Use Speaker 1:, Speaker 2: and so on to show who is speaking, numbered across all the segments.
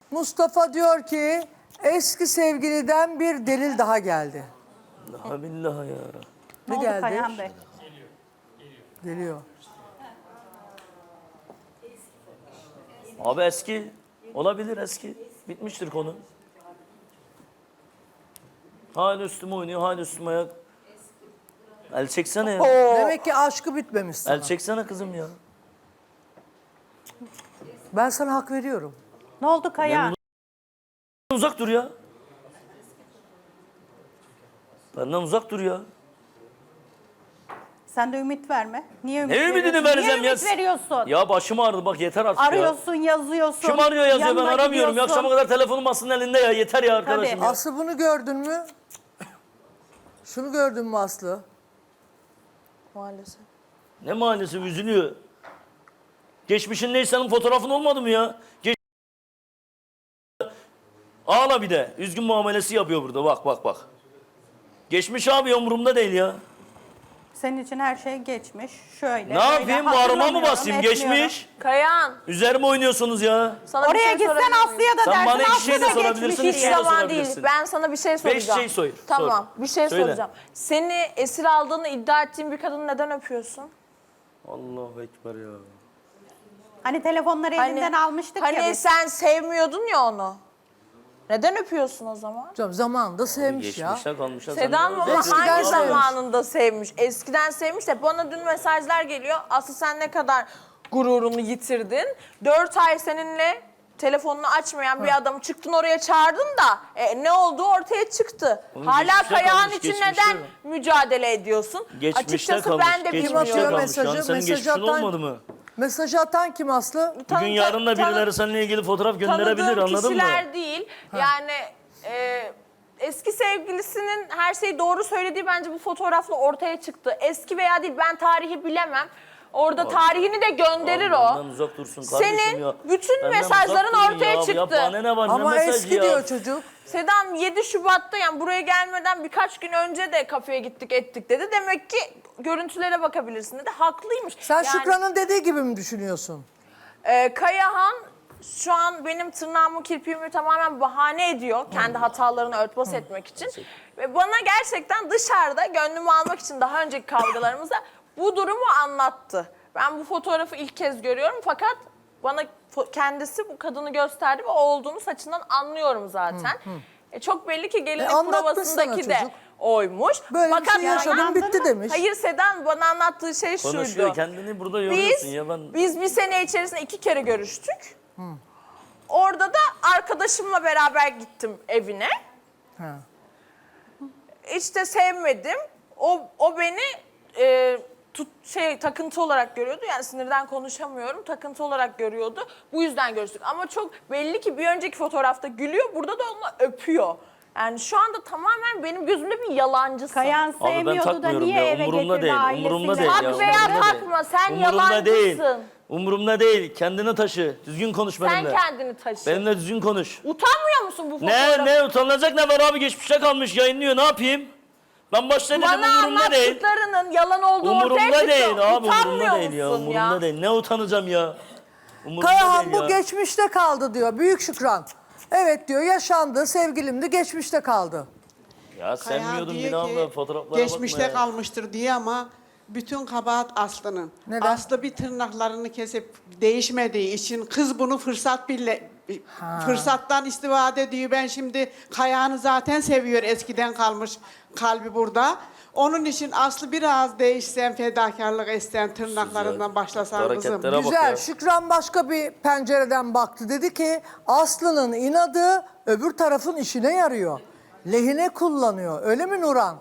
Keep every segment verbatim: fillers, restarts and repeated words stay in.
Speaker 1: Mustafa diyor ki eski sevgiliden bir delil daha geldi.
Speaker 2: Allah billah ya.
Speaker 1: Ne,
Speaker 3: Ne oldu
Speaker 1: geldi?
Speaker 3: Kayhan Bey?
Speaker 1: Geliyor.
Speaker 2: Abi eski. Olabilir eski. Bitmiştir konu. Hala üstüme oynuyor, hala üstüme ayak. El çeksene ya.
Speaker 1: Demek ki aşkı bitmemiş sana.
Speaker 2: El çeksene kızım ya.
Speaker 1: Ben sana hak veriyorum.
Speaker 3: Ne oldu Kayhan?
Speaker 2: Uzak dur ya. Benden uzak dur ya.
Speaker 3: Sen de ümit verme. Niye ümit
Speaker 2: Ne ümidini
Speaker 3: veriyorsun?
Speaker 2: vereceğim
Speaker 3: Niye
Speaker 2: ya?
Speaker 3: ümit veriyorsun?
Speaker 2: Ya başım ağrıdı bak yeter artık ya.
Speaker 3: Arıyorsun, yazıyorsun.
Speaker 2: Kim arıyor yazıyor ben
Speaker 3: yanına
Speaker 2: aramıyorum. Ya
Speaker 3: gidiyorsun.
Speaker 2: akşama kadar telefonum aslında elinde ya. Yeter ya arkadaşım
Speaker 3: Tabii.
Speaker 2: ya.
Speaker 1: Aslı bunu gördün mü? Şunu gördün mü Aslı?
Speaker 4: Maalesef.
Speaker 2: Ne maalesef üzülüyor. Geçmişin neyse senin fotoğrafın olmadı mı ya? Geç... Ağla bir de. Üzgün muamelesi yapıyor burada. Bak bak bak. Geçmiş abi umurumda değil ya.
Speaker 3: Senin için her şey geçmiş. Şöyle.
Speaker 2: Ne
Speaker 3: böyle
Speaker 2: yapayım? Bağrıma mı
Speaker 3: hatırlamıyorum,
Speaker 2: basayım?
Speaker 3: etmiyorum.
Speaker 2: Geçmiş.
Speaker 4: Kayan,
Speaker 2: Üzerime oynuyorsunuz ya.
Speaker 4: sana bir
Speaker 3: Oraya
Speaker 4: şey
Speaker 3: gitsen
Speaker 4: sorabilir miyim?
Speaker 3: Aslı'ya da
Speaker 2: Sen
Speaker 3: dersin.
Speaker 2: bana iki
Speaker 3: Aslı
Speaker 2: şey de
Speaker 3: da
Speaker 2: sorabilirsin,
Speaker 3: geçmiş
Speaker 2: üç
Speaker 4: Hiç
Speaker 2: şey de
Speaker 3: diye.
Speaker 4: zaman değil.
Speaker 2: sorabilirsin.
Speaker 4: Ben sana bir şey soracağım.
Speaker 2: şey sor,
Speaker 4: Tamam, bir şey
Speaker 2: Söyle.
Speaker 4: soracağım. Seni esir aldığını iddia ettiğin bir kadını neden öpüyorsun?
Speaker 2: Allahu Ekber ya.
Speaker 3: Hani telefonları elinden almıştık
Speaker 4: hani
Speaker 3: ya biz.
Speaker 4: sen sevmiyordun ya onu. Neden öpüyorsun o zaman?
Speaker 1: Canım zamanında sevmiş ya.
Speaker 2: Geçmişte kalmışlar.
Speaker 4: Sedan mı? Ama
Speaker 1: Eskiden
Speaker 4: hangi
Speaker 1: sevmiş.
Speaker 4: zamanında sevmiş? Eskiden sevmiş de bana dün mesajlar geliyor. Aslı sen ne kadar gururunu yitirdin. Dört ay seninle telefonunu açmayan bir adamı çıktın oraya çağırdın da e, ne olduğu ortaya çıktı.
Speaker 2: Oğlum
Speaker 4: Hala
Speaker 2: geçmişte
Speaker 4: Kayağan
Speaker 2: kalmış,
Speaker 4: için
Speaker 2: geçmişte
Speaker 4: neden
Speaker 2: mi?
Speaker 4: mücadele ediyorsun?
Speaker 2: Geçmişte
Speaker 4: Açıkçası
Speaker 2: kalmış.
Speaker 4: ben de
Speaker 2: Geçmişte
Speaker 1: atıyor
Speaker 4: bilmiyorum.
Speaker 2: kalmış. Yani
Speaker 1: mesajı?
Speaker 2: senin
Speaker 1: Mesaj
Speaker 2: geçmişin
Speaker 1: atan-
Speaker 2: olmadı mı?
Speaker 1: Mesajı atan kim Aslı?
Speaker 2: Bugün
Speaker 4: Tanı-
Speaker 2: yarın da
Speaker 4: tanı-
Speaker 2: birileri seninle ilgili fotoğraf gönderebilir
Speaker 4: Tanıdığım
Speaker 2: anladın mı?
Speaker 4: kişiler değil. Yani e, eski sevgilisinin her şeyi doğru söylediği bence bu fotoğrafla ortaya çıktı. Eski veya değil ben tarihi bilemem. Orada tarihini de gönderir
Speaker 2: Abi
Speaker 4: o.
Speaker 2: benden uzak dursun kardeşim
Speaker 4: Senin
Speaker 2: ya.
Speaker 4: bütün
Speaker 2: Benden
Speaker 4: mesajların
Speaker 2: uzak durun
Speaker 4: ortaya
Speaker 2: ya.
Speaker 4: çıktı.
Speaker 2: Ya bana ne var
Speaker 1: Ama
Speaker 2: ne mesajı
Speaker 1: eski
Speaker 2: ya.
Speaker 1: diyor çocuk.
Speaker 4: Sedan yedi Şubat'ta yani buraya gelmeden birkaç gün önce de kafeye gittik ettik dedi. Demek ki görüntülere bakabilirsin dedi. Haklıymış.
Speaker 1: Sen
Speaker 4: Yani,
Speaker 1: Şükran'ın dediği gibi mi düşünüyorsun?
Speaker 4: e, Kayahan şu an benim tırnağımı kirpiğimi tamamen bahane ediyor. Kendi hatalarını örtbas etmek için. Ve bana gerçekten dışarıda gönlümü almak için daha önceki kavgalarımızda bu durumu anlattı. Ben bu fotoğrafı ilk kez görüyorum fakat bana fo- kendisi bu kadını gösterdi ve o olduğunu saçından anlıyorum zaten. E, çok belli ki gelinlik
Speaker 1: E, anlatmış
Speaker 4: provasındaki
Speaker 1: sana
Speaker 4: de
Speaker 1: çocuk.
Speaker 4: oymuş.
Speaker 1: Böyle
Speaker 4: fakat
Speaker 1: bir şey yaşadım
Speaker 3: anladın
Speaker 1: bitti
Speaker 3: mı?
Speaker 1: demiş.
Speaker 4: Hayır Sedan bana anlattığı şey
Speaker 2: Konuşuyor
Speaker 4: şuydu.
Speaker 2: kendini burada
Speaker 4: Biz,
Speaker 2: yoruyorsun ya ben.
Speaker 4: biz bir sene içerisinde iki kere görüştük. Orada da arkadaşımla beraber gittim evine.
Speaker 1: Ha.
Speaker 4: Hiç de sevmedim. O, o beni e, tut, şey takıntı olarak görüyordu. Yani sinirden konuşamıyorum. Takıntı olarak görüyordu. Bu yüzden görüştük. Ama çok belli ki bir önceki fotoğrafta gülüyor. Burada da onu öpüyor. Yani şu anda tamamen benim gözümde bir yalancısın.
Speaker 3: Kayan
Speaker 2: Abi ben
Speaker 3: sevmiyordu da
Speaker 2: takmıyorum
Speaker 3: niye
Speaker 2: ya.
Speaker 3: eve
Speaker 2: Umurumda
Speaker 3: getirdi
Speaker 2: değil.
Speaker 3: ailesiyle?
Speaker 2: Umurumda değil
Speaker 4: Tak
Speaker 2: ya.
Speaker 4: veya
Speaker 2: umurumda
Speaker 4: takma,
Speaker 2: değil.
Speaker 4: sen
Speaker 2: Umurumda değil.
Speaker 4: yalancısın.
Speaker 2: Umurumda değil. Kendini taşı. Düzgün konuş
Speaker 4: Sen
Speaker 2: benimle.
Speaker 4: kendini taşı.
Speaker 2: Benimle düzgün konuş.
Speaker 4: Utanmıyor musun bu fotoğrafı?
Speaker 2: Ne ne utanılacak ne var abi geçmişte kalmış yayınlıyor ne yapayım? Ben başta dedim
Speaker 4: Bana
Speaker 2: umurumda değil.
Speaker 4: anlattıklarının yalan olduğu ortaya
Speaker 2: Umurumda
Speaker 4: çıktı.
Speaker 2: değil abi
Speaker 4: Utanmıyor
Speaker 2: umurumda değil ya
Speaker 4: musun
Speaker 2: umurumda değil. Ne utanacağım ya? Umurumda
Speaker 1: Kayahan
Speaker 2: değil
Speaker 1: bu
Speaker 2: ya.
Speaker 1: geçmişte kaldı diyor. Büyük Şükran. Evet diyor yaşandı sevgilimdi geçmişte kaldı.
Speaker 2: Ya
Speaker 5: Kayhan
Speaker 2: sevmiyordum
Speaker 5: diyor
Speaker 2: bir
Speaker 5: ki,
Speaker 2: anda fotoğraflara
Speaker 5: geçmişte
Speaker 2: bakma ya.
Speaker 5: kalmıştır diye ama bütün kabahat Aslı'nın.
Speaker 1: Neden?
Speaker 5: Aslı bir tırnaklarını kesip değişmediği için kız bunu fırsat bile fırsattan istifade ediyor. Ben şimdi Kayhan'ı zaten seviyor eskiden kalmış kalbi burada. Onun için Aslı biraz değişsen fedakarlık etsen tırnaklarından başlasan kızım.
Speaker 2: Hareketlere bak
Speaker 1: Güzel.
Speaker 2: ya.
Speaker 1: Şükran başka bir pencereden baktı. Dedi ki Aslı'nın inadı öbür tarafın işine yarıyor. Lehine kullanıyor. Öyle mi Nuran?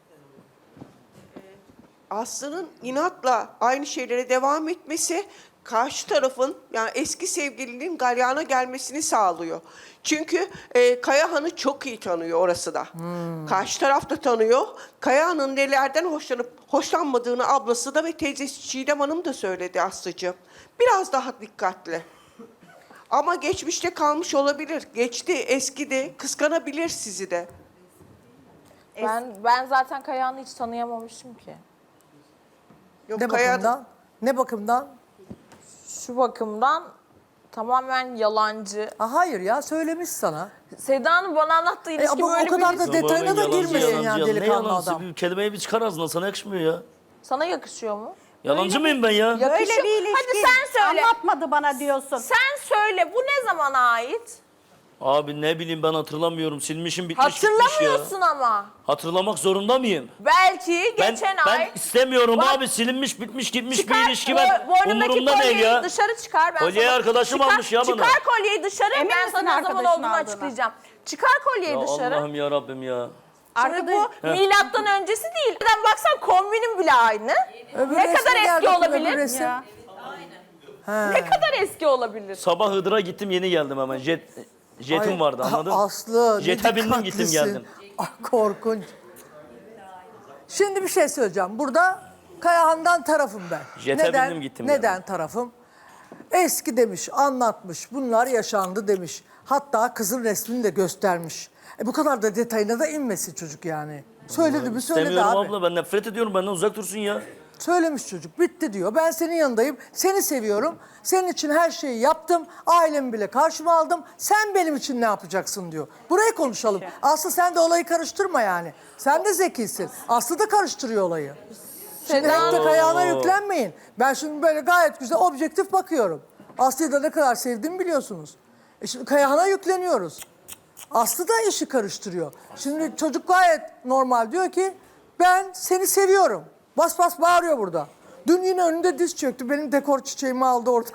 Speaker 6: Aslı'nın inatla aynı şeylere devam etmesi karşı tarafın yani eski sevgilinin galyana gelmesini sağlıyor. Çünkü e, Kayahan'ı çok iyi tanıyor orası da. Karşı taraf da tanıyor. Kayahan'ın nelerden hoşlanıp hoşlanmadığını ablası da ve teyzesi Çiğdem Hanım da söyledi Aslı'cığım. Biraz daha dikkatli. Ama geçmişte kalmış olabilir. Geçti, eskidi, kıskanabilir sizi de.
Speaker 4: Ben ben zaten Kayahan'ı hiç tanıyamamışım ki.
Speaker 6: Yok,
Speaker 1: Ne
Speaker 6: Kayahan-
Speaker 1: bakımdan? Ne bakımdan?
Speaker 4: Şu bakımdan tamamen yalancı.
Speaker 1: Ha, hayır ya söylemiş sana.
Speaker 4: Seda Hanım bana anlattığı
Speaker 1: E,
Speaker 4: ilişki
Speaker 1: ama o
Speaker 4: böyle
Speaker 1: kadar
Speaker 4: bir...
Speaker 1: da detayına da
Speaker 2: Yalancı,
Speaker 1: girmesin
Speaker 2: yalancı,
Speaker 1: yani
Speaker 2: yalan. Ne
Speaker 1: delikanlı
Speaker 2: yalancı?
Speaker 1: adam.
Speaker 2: Bir kelimeyi bir çıkar ağzından, sana yakışmıyor ya.
Speaker 4: Sana yakışıyor mu?
Speaker 2: Yalancı mıyım ben ya?
Speaker 3: Böyle
Speaker 4: Yakışıyor.
Speaker 3: bir ilişki
Speaker 4: Hadi sen söyle.
Speaker 3: anlatmadı bana diyorsun.
Speaker 4: Sen söyle, bu ne zamana ait?
Speaker 2: Abi ne bileyim, ben hatırlamıyorum. Silmişim, bitmiş gitmiş ya.
Speaker 4: Hatırlamıyorsun ama.
Speaker 2: Hatırlamak zorunda mıyım?
Speaker 4: Belki
Speaker 2: Ben,
Speaker 4: geçen
Speaker 2: ben
Speaker 4: ay...
Speaker 2: istemiyorum
Speaker 4: Bak-
Speaker 2: abi, silinmiş bitmiş gitmiş
Speaker 4: Çıkar,
Speaker 2: bir ilişki, ben
Speaker 4: bo- boynundaki
Speaker 2: umurumda değil
Speaker 4: kolyeyi
Speaker 2: ya.
Speaker 4: dışarı çıkar. Ben
Speaker 2: Kolyeyi
Speaker 4: sana-
Speaker 2: arkadaşım
Speaker 4: çıkar,
Speaker 2: almış ya bana.
Speaker 4: Çıkar kolyeyi dışarı,
Speaker 3: Emin
Speaker 4: ben
Speaker 3: misin
Speaker 4: sana ne zaman
Speaker 3: arkadaşın
Speaker 4: olduğunu
Speaker 3: aldığına?
Speaker 4: açıklayacağım. Çıkar kolyeyi
Speaker 2: Ya
Speaker 4: dışarı.
Speaker 2: Allah'ım ya Rabbim ya.
Speaker 4: Şimdi
Speaker 3: Arkadaş-
Speaker 4: bu milattan öncesi değil. Neden baksan kombinin bile aynı.
Speaker 1: Öbür
Speaker 4: ne
Speaker 1: resme
Speaker 4: kadar
Speaker 1: gel
Speaker 4: eski
Speaker 1: bakayım, öbür
Speaker 4: olabilir?
Speaker 1: resim.
Speaker 3: Ya.
Speaker 4: Ne kadar eski olabilir?
Speaker 2: Sabah Hıdır'a gittim, yeni geldim hemen. Jet, jetim
Speaker 1: Ay,
Speaker 2: vardı, anladın?
Speaker 1: Aslı ne
Speaker 2: Jete bindim, gittim
Speaker 1: dikkatlisin.
Speaker 2: geldim.
Speaker 1: Ay, korkunç. Şimdi bir şey söyleyeceğim. Burada Kayahan'dan tarafım ben.
Speaker 2: Jete
Speaker 1: neden,
Speaker 2: bindim, gittim
Speaker 1: Neden
Speaker 2: geldim.
Speaker 1: tarafım? Eski demiş, anlatmış. Bunlar yaşandı demiş. Hatta kızın resmini de göstermiş. E bu kadar da detayına da inmesin çocuk yani. Söyledi mi söyledi
Speaker 2: İstemiyorum
Speaker 1: abi.
Speaker 2: abla, ben nefret ediyorum, benden uzak dursun ya.
Speaker 1: Söylemiş çocuk. Bitti diyor. Ben senin yanındayım. Seni seviyorum. Senin için her şeyi yaptım. Ailemi bile karşıma aldım. Sen benim için ne yapacaksın diyor. Burayı konuşalım. Aslı sen de olayı karıştırma yani. Sen de zekisin. Aslı da karıştırıyor olayı. Şimdi hep de Kayahan'a yüklenmeyin. Ben şimdi böyle gayet güzel objektif bakıyorum. Aslı'yı da ne kadar sevdiğimi biliyorsunuz. E şimdi Kayahan'a yükleniyoruz. Aslı da işi karıştırıyor. Şimdi çocuk gayet normal diyor ki ben seni seviyorum. Bas bas bağırıyor burada. Dün yine önünde diz çöktü. Benim dekor çiçeğimi aldı orada.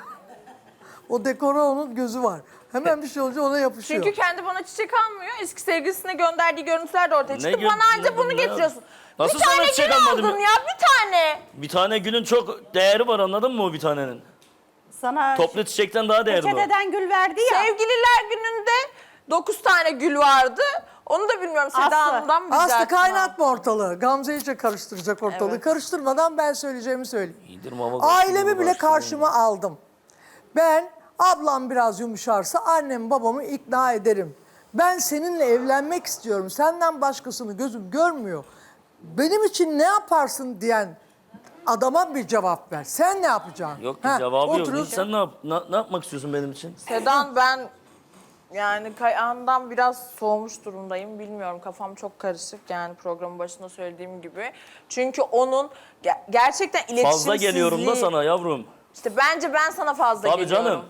Speaker 1: O dekora onun gözü var. Hemen bir şey olunca ona yapışıyor.
Speaker 4: Çünkü kendi bana çiçek almıyor. Eski sevgilisine gönderdiği görüntüler de ortaya
Speaker 2: Ne
Speaker 4: çıktı.
Speaker 2: gö-
Speaker 4: Bana anca
Speaker 2: ne-
Speaker 4: bunu
Speaker 2: ne-
Speaker 4: getiriyorsun.
Speaker 2: Nasıl
Speaker 4: bir
Speaker 2: sana
Speaker 4: tane
Speaker 2: çiçek
Speaker 4: gül
Speaker 2: almadım
Speaker 4: aldın
Speaker 2: ya?
Speaker 4: ya, bir tane.
Speaker 2: Bir tane gülün çok değeri var, anladın mı o bir tanenin?
Speaker 3: Sana
Speaker 2: Toplu çiçekten daha değerli o.
Speaker 3: peçeteden gül verdi ya.
Speaker 4: Sevgililer gününde dokuz tane gül vardı. Onu da bilmiyorum, Seda
Speaker 3: Aslı.
Speaker 4: Hanım'dan mı
Speaker 1: Aslı
Speaker 4: rica
Speaker 1: kaynatma ortalığı. Gamze iyice karıştıracak ortalığı.
Speaker 4: Evet.
Speaker 1: Karıştırmadan ben söyleyeceğimi söyleyeyim.
Speaker 2: İyidir mama
Speaker 1: Ailemi
Speaker 2: karıştırma,
Speaker 1: bile
Speaker 2: karıştırma.
Speaker 1: karşıma aldım. Ben ablam biraz yumuşarsa annemi babamı ikna ederim. Ben seninle evlenmek istiyorum. Senden başkasını gözüm görmüyor. Benim için ne yaparsın diyen adama bir cevap ver. Sen ne yapacaksın?
Speaker 2: Yok ki
Speaker 1: Ha,
Speaker 2: cevabı yok.
Speaker 1: oturuyorsun.
Speaker 2: Sen ne, yap, ne, ne yapmak istiyorsun benim için?
Speaker 4: Sedan, ben yani Kayahan'dan biraz soğumuş durumdayım. Bilmiyorum, kafam çok karışık yani programın başında söylediğim gibi. Çünkü onun ge- gerçekten iletişimsizliği...
Speaker 2: Fazla geliyorum da sana yavrum.
Speaker 4: İşte bence ben sana fazla
Speaker 2: Tabii
Speaker 4: geliyorum.
Speaker 2: canım.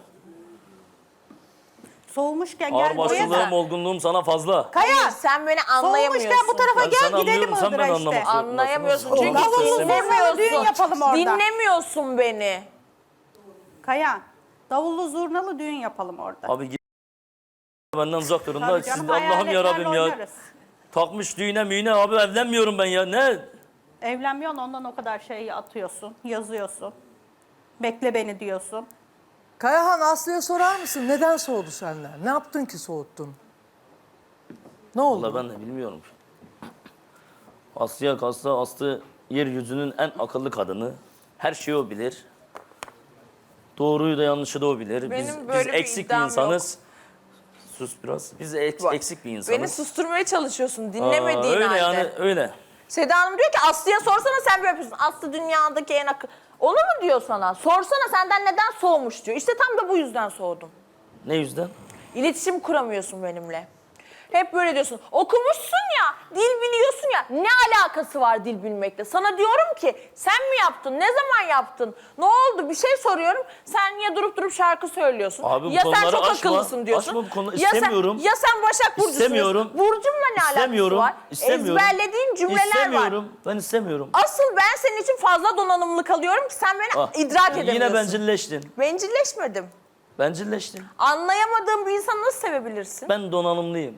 Speaker 3: Soğumuşken gel buraya
Speaker 2: Ağırbaşlılığım,
Speaker 3: da.
Speaker 2: olgunluğum sana fazla.
Speaker 3: Kaya,
Speaker 4: Hayır, sen beni anlayamıyorsun.
Speaker 3: soğumuşken bu tarafa
Speaker 2: Ben
Speaker 3: gel
Speaker 2: seni
Speaker 3: gidelim
Speaker 2: anlıyorum, sen
Speaker 3: Iğdır'a
Speaker 2: beni
Speaker 3: işte.
Speaker 2: anlamazsın.
Speaker 4: Anlayamıyorsun
Speaker 2: Lafını-
Speaker 4: çünkü
Speaker 2: Lafını
Speaker 3: Davullu
Speaker 2: istemiyorum.
Speaker 3: zurnalı düğün yapalım orada.
Speaker 4: Dinlemiyorsun beni.
Speaker 3: Kaya, davullu zurnalı düğün yapalım orada.
Speaker 2: Abi git benden uzak durun da.
Speaker 3: Tabii
Speaker 2: Siz
Speaker 3: canım,
Speaker 2: Allah'ım ya
Speaker 3: hayaletlerle
Speaker 2: Rabbim ya.
Speaker 3: oynarız.
Speaker 2: Takmış düğüne müğüne abi, evlenmiyorum ben ya. Ne?
Speaker 3: Evlenmiyorsun, ondan o kadar şey atıyorsun, yazıyorsun. Bekle beni diyorsun.
Speaker 1: Kayahan, Aslı'ya sorar mısın? Neden soğudu senden? Ne yaptın ki soğuttun? Ne oldu?
Speaker 2: Vallahi ben de bilmiyorum. Aslı'ya kalsa Aslı yeryüzünün en akıllı kadını. Her şeyi o bilir. Doğruyu da yanlışı da o bilir.
Speaker 4: Benim
Speaker 2: biz,
Speaker 4: böyle
Speaker 2: biz
Speaker 4: bir
Speaker 2: eksik bir
Speaker 4: iddiam
Speaker 2: insanız. Sus biraz. Biz ek-
Speaker 4: Bak,
Speaker 2: eksik bir insanız.
Speaker 4: Beni susturmaya çalışıyorsun
Speaker 2: Aa,
Speaker 4: dinlemediğin
Speaker 2: öyle
Speaker 4: halde.
Speaker 2: yani öyle.
Speaker 4: Seda Hanım diyor ki Aslı'ya sorsana, sen böyle yapıyorsun. Aslı dünyadaki en akıllı... Onu mu diyor sana? Sorsana senden neden soğumuş diyor. İşte tam da bu yüzden soğudum.
Speaker 2: Ne yüzden?
Speaker 4: İletişim kuramıyorsun benimle. Hep böyle diyorsun. Okumuşsun ya, dil biliyorsun ya. Ne alakası var dil bilmekle? Sana diyorum ki sen mi yaptın? Ne zaman yaptın? Ne oldu? Bir şey soruyorum. Sen niye durup durup şarkı söylüyorsun?
Speaker 2: Abi bu
Speaker 4: ya sen
Speaker 2: konuları
Speaker 4: çok
Speaker 2: açma.
Speaker 4: akıllısın diyorsun.
Speaker 2: Açma bu konuları.
Speaker 4: Ya sen-
Speaker 2: İstemiyorum.
Speaker 4: Ya sen Başak Burcu'sun
Speaker 2: İstemiyorum.
Speaker 4: diyorsun. Burcumla ne alakası
Speaker 2: İstemiyorum.
Speaker 4: var?
Speaker 2: İstemiyorum.
Speaker 4: Ezberlediğin cümleler var.
Speaker 2: İstemiyorum. Ben istemiyorum.
Speaker 4: Asıl ben senin için fazla donanımlı kalıyorum ki sen beni
Speaker 2: Ah,
Speaker 4: idrak edemiyorsun.
Speaker 2: Yine bencilleştin.
Speaker 4: Bencilleşmedim.
Speaker 2: Bencilleştin.
Speaker 4: Anlayamadığım bir insanı nasıl sevebilirsin?
Speaker 2: Ben donanımlıyım.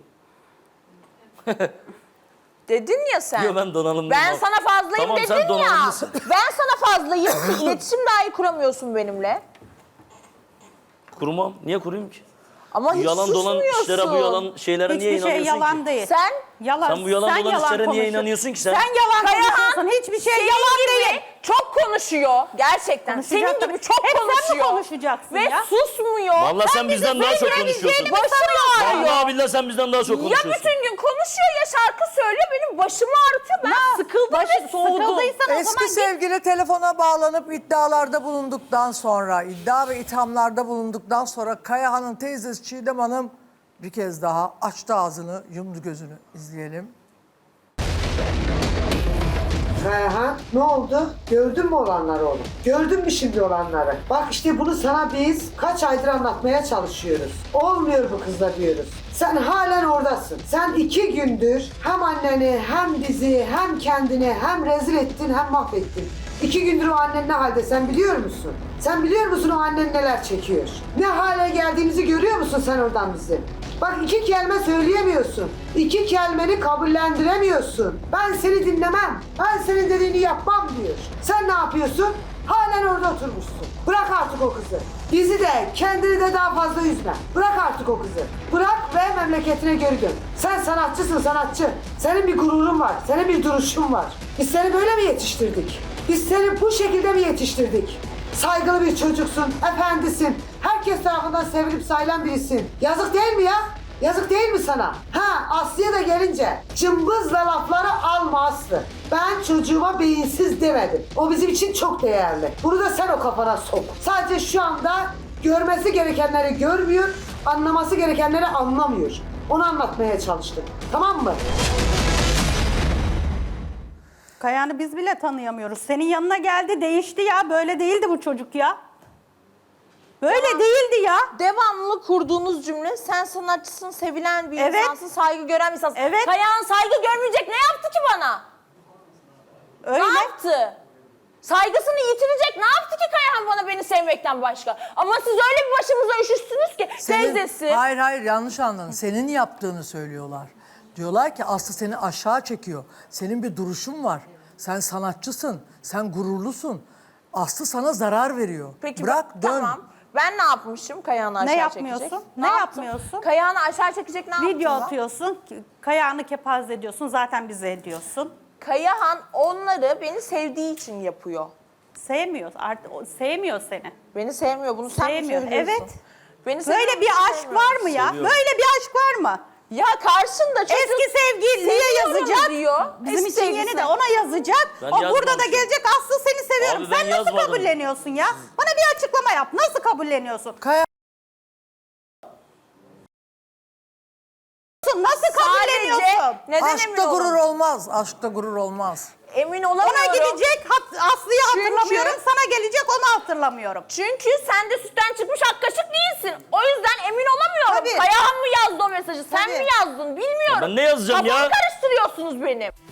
Speaker 4: Dedin ya sen.
Speaker 2: Yo, ben donanımlıyım.
Speaker 4: Ben
Speaker 2: Abi.
Speaker 4: sana fazlayım
Speaker 2: Tamam,
Speaker 4: dedin
Speaker 2: sen
Speaker 4: ya.
Speaker 2: donanımlısın.
Speaker 4: Ben sana fazlayım ki iletişim dahi kuramıyorsun benimle.
Speaker 2: Kurmam. Niye kurayım ki?
Speaker 4: Ama hiç
Speaker 2: Yalan dolan
Speaker 4: susmuyorsun.
Speaker 2: işlere, bu yalan şeylere niye
Speaker 3: Hiçbir şey
Speaker 2: inanıyorsun
Speaker 3: yalan
Speaker 2: ki?
Speaker 3: değil.
Speaker 4: Sen
Speaker 3: Yalan.
Speaker 2: Sen bu yalan dolan işlere niye
Speaker 3: konuşuyorsun.
Speaker 2: inanıyorsun ki sen?
Speaker 3: Sen yalan
Speaker 4: Kayahan,
Speaker 3: konuşuyorsun. Hiçbir şey
Speaker 4: senin
Speaker 3: yalan
Speaker 4: gibi
Speaker 3: değil.
Speaker 4: çok konuşuyor. Gerçekten.
Speaker 3: Konuşacak
Speaker 4: Senin
Speaker 3: tabii.
Speaker 4: gibi çok
Speaker 3: Hep sen mi
Speaker 4: konuşuyor.
Speaker 3: konuşacaksın
Speaker 4: Ve
Speaker 3: ya?
Speaker 4: susmuyor.
Speaker 2: Vallahi sen bizden daha çok konuşuyorsun.
Speaker 4: Başım ağrıyor.
Speaker 2: Vallahi billahi sen bizden daha çok
Speaker 4: Ya
Speaker 2: konuşuyorsun.
Speaker 4: bütün gün konuşuyor ya şarkı söylüyor, benim başımı ağrıtıyor. Ben sıkıldım
Speaker 3: Başı-
Speaker 4: ve soğudum.
Speaker 3: sıkıldıysan o
Speaker 1: Eski
Speaker 3: zaman git.
Speaker 1: sevgili telefona bağlanıp iddialarda bulunduktan sonra, iddia ve ithamlarda bulunduktan sonra Kayahan'ın teyzesi Çiğdem Hanım bir kez daha açtı ağzını, yumdu gözünü. İzleyelim.
Speaker 7: Kayahan ne oldu? Gördün mü olanları oğlum? Gördün mü şimdi olanları? Bak işte bunu sana biz kaç aydır anlatmaya çalışıyoruz. Olmuyor bu kızla diyoruz. Sen halen oradasın. Sen iki gündür hem anneni hem bizi hem kendini hem rezil ettin hem mahvettin. İki gündür o annen ne halde sen biliyor musun? Sen biliyor musun o annen neler çekiyor? Ne hale geldiğimizi görüyor musun sen oradan bizim? Bak iki kelime söyleyemiyorsun. İki kelimeni kabullendiremiyorsun. Ben seni dinlemem. Ben senin dediğini yapmam diyor. Sen ne yapıyorsun? Halen orada oturmuşsun. Bırak artık o kızı. Bizi de kendini de daha fazla üzme. Bırak artık o kızı. Bırak ve memleketine geri dön. Sen sanatçısın sanatçı. Senin bir gururun var. Senin bir duruşun var. Biz seni böyle mi yetiştirdik? Biz seni bu şekilde mi yetiştirdik? Saygılı bir çocuksun, efendisin. Herkes tarafından sevilip sayılan birisin. Yazık değil mi ya? Yazık değil mi sana? Ha Aslı'ya da gelince cımbızla lafları alma Aslı. Ben çocuğuma beyinsiz demedim. O bizim için çok değerli. Bunu da sen o kafana sok. Sadece şu anda görmesi gerekenleri görmüyor, anlaması gerekenleri anlamıyor. Onu anlatmaya çalıştım. Tamam mı?
Speaker 3: Kayahan'ı biz bile tanıyamıyoruz. Senin yanına geldi, değişti ya. Böyle değildi bu çocuk ya. Böyle
Speaker 4: Tamam.
Speaker 3: değildi ya.
Speaker 4: Devamlı kurduğunuz cümle, sen sanatçısın, sevilen bir
Speaker 3: Evet.
Speaker 4: insansın, saygı gören bir insansın.
Speaker 3: Evet.
Speaker 4: Kayahan saygı görmeyecek ne yaptı ki bana?
Speaker 3: Öyle.
Speaker 4: Ne yaptı? Saygısını yitirecek ne yaptı ki Kayahan bana beni sevmekten başka? Ama siz öyle bir başımıza üşüştünüz ki
Speaker 1: Senin-
Speaker 4: teyzesi.
Speaker 1: Hayır hayır yanlış anladın. Senin yaptığını söylüyorlar. Diyorlar ki Aslı seni aşağı çekiyor. Senin bir duruşun var. Sen sanatçısın. Sen gururlusun. Aslı sana zarar veriyor.
Speaker 4: Peki
Speaker 1: Bırak
Speaker 4: ben-
Speaker 1: dön.
Speaker 4: Tamam. Ben ne yapmışım Kayahan'ı aşağı
Speaker 3: Ne
Speaker 4: çekecek?
Speaker 3: yapmıyorsun? Ne
Speaker 4: yaptım?
Speaker 3: yapmıyorsun?
Speaker 4: Kayahan'ı aşağı çekecek ne yaptım
Speaker 3: Video
Speaker 4: ben?
Speaker 3: atıyorsun, Kayahan'ı kepaze ediyorsun. Zaten bize ediyorsun.
Speaker 4: Kayahan onları beni sevdiği için yapıyor.
Speaker 3: Sevmiyor. Artık o- sevmiyor seni.
Speaker 4: Beni sevmiyor. Bunu sen
Speaker 3: Sevmiyor,
Speaker 4: mi söylüyorsun?
Speaker 3: evet.
Speaker 4: Beni sevmiyor,
Speaker 3: Böyle bir
Speaker 4: bunu
Speaker 3: aşk
Speaker 4: sevmiyor.
Speaker 3: var mı ya?
Speaker 2: Seviyorum.
Speaker 3: Böyle bir aşk var mı?
Speaker 4: Ya karşında çocuk
Speaker 3: Eski sevgiliye
Speaker 4: seviyorum
Speaker 3: yazacak.
Speaker 4: diyor.
Speaker 3: Bizim
Speaker 4: Eski
Speaker 3: için yeni
Speaker 4: sevgilisi.
Speaker 3: de ona yazacak.
Speaker 2: Ben
Speaker 3: o burada da
Speaker 2: yazmamışım.
Speaker 3: gelecek Aslı seni seviyorum.
Speaker 2: Abi ben
Speaker 3: Sen nasıl
Speaker 2: yazmadım.
Speaker 3: kabulleniyorsun ya? Bana bir açıklama yap. Nasıl kabulleniyorsun?
Speaker 1: Kaya
Speaker 3: Nasıl kabulleniyorsun?
Speaker 4: Sadece neden emin
Speaker 1: aşkta gurur
Speaker 4: olamıyorum?
Speaker 1: olmaz. Aşkta gurur olmaz.
Speaker 4: Emin olamıyorum.
Speaker 3: Ona gidecek hat- Aslı'yı
Speaker 4: Çünkü-
Speaker 3: hatırlamıyorum. Sana gelecek onu hatırlamıyorum.
Speaker 4: Çünkü sen de sütten çıkmış ak kaşık değilsin. O yüzden emin olamıyorum.
Speaker 3: Tabii.
Speaker 4: Kayahan mı yazdı o mesajı? Sen
Speaker 3: Tabii.
Speaker 4: mi yazdın? Bilmiyorum.
Speaker 2: Ya ben ne yazacağım
Speaker 4: Kafamı
Speaker 2: ya?
Speaker 4: karıştırıyorsunuz benim.